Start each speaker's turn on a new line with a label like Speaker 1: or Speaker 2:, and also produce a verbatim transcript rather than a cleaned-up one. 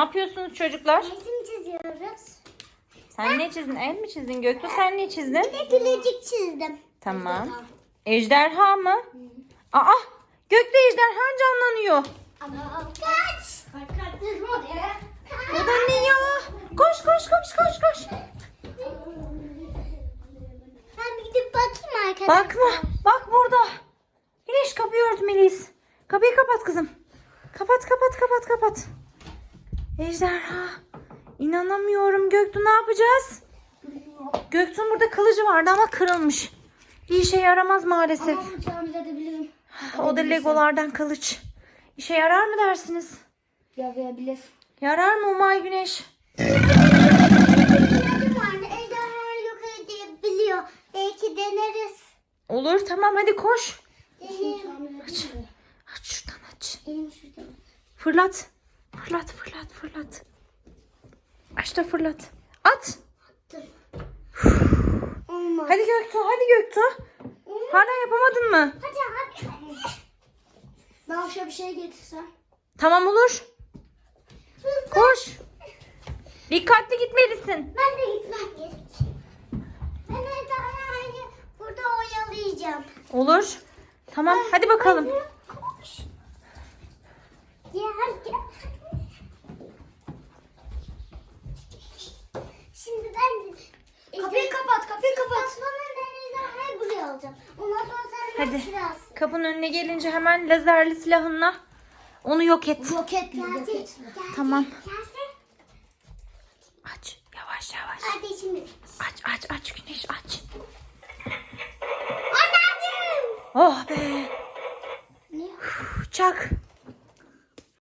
Speaker 1: yapıyorsunuz çocuklar?
Speaker 2: Resim çiziyoruz.
Speaker 1: Sen ne çizdin? El mi çizdin? Göktuğ sen ne çizdin?
Speaker 2: Bir de gülücük çizdim.
Speaker 1: Tamam. Ejderha mı? Aa! Gökte ejderha canlanıyor.
Speaker 2: Ama kaç. Kaç kaç.
Speaker 1: O da ne ya? Koş koş koş koş koş.
Speaker 2: Ben bir gidip bakayım arkadaşlar.
Speaker 1: Bakma. Bak burada. Güneş kapıyı ört Melis. Kapıyı kapat kızım. Kapat kapat kapat kapat. Ejderha. İnanamıyorum Göktuğ, ne yapacağız? Göktuğ'un burada kılıcı vardı ama kırılmış. Bir işe yaramaz maalesef.
Speaker 2: Ama bunu tamir edebilirim.
Speaker 1: O da legolardan kılıç. İşe yarar mı dersiniz?
Speaker 2: Yarayabilir.
Speaker 1: Yarar mı Umay Güneş?
Speaker 2: Yardım vardı. Ejderhayı yok edebiliyor. Belki deneriz.
Speaker 1: Olur, tamam, hadi koş.
Speaker 2: Deneyim.
Speaker 1: Aç. Aç şuradan aç.
Speaker 2: Elim şurada.
Speaker 1: Fırlat. Fırlat fırlat fırlat. Aç da fırlat. At.
Speaker 2: Olmaz.
Speaker 1: Hadi Göktuğ, hadi Göktuğ. Hala yapamadın mı?
Speaker 2: Hadi hadi. Ben aşağı bir şey getirsem.
Speaker 1: Tamam, olur. Koş. Dikkatli gitmelisin.
Speaker 2: Ben de gitmem gerek. Ben ejderhayı burada oyalayacağım.
Speaker 1: Olur. Tamam, hadi bakalım.
Speaker 2: Koş. Gel gel. Şimdi ben kapıyı kapat, kapıyı kapat. Sonra ben ejderhayı buraya alacağım. Ondan sonra sen
Speaker 1: Hadi.
Speaker 2: biraz.
Speaker 1: Kapının önüne gelince hemen lazerli silahınla onu yok et.
Speaker 2: Roketli, roketli.
Speaker 1: Tamam.
Speaker 2: Gelse.
Speaker 1: Aç. Yavaş yavaş.
Speaker 2: Hadi şimdi.
Speaker 1: Aç aç aç Güneş aç.
Speaker 2: Anneciğim.
Speaker 1: Oh be.
Speaker 2: Ne?
Speaker 1: Çak.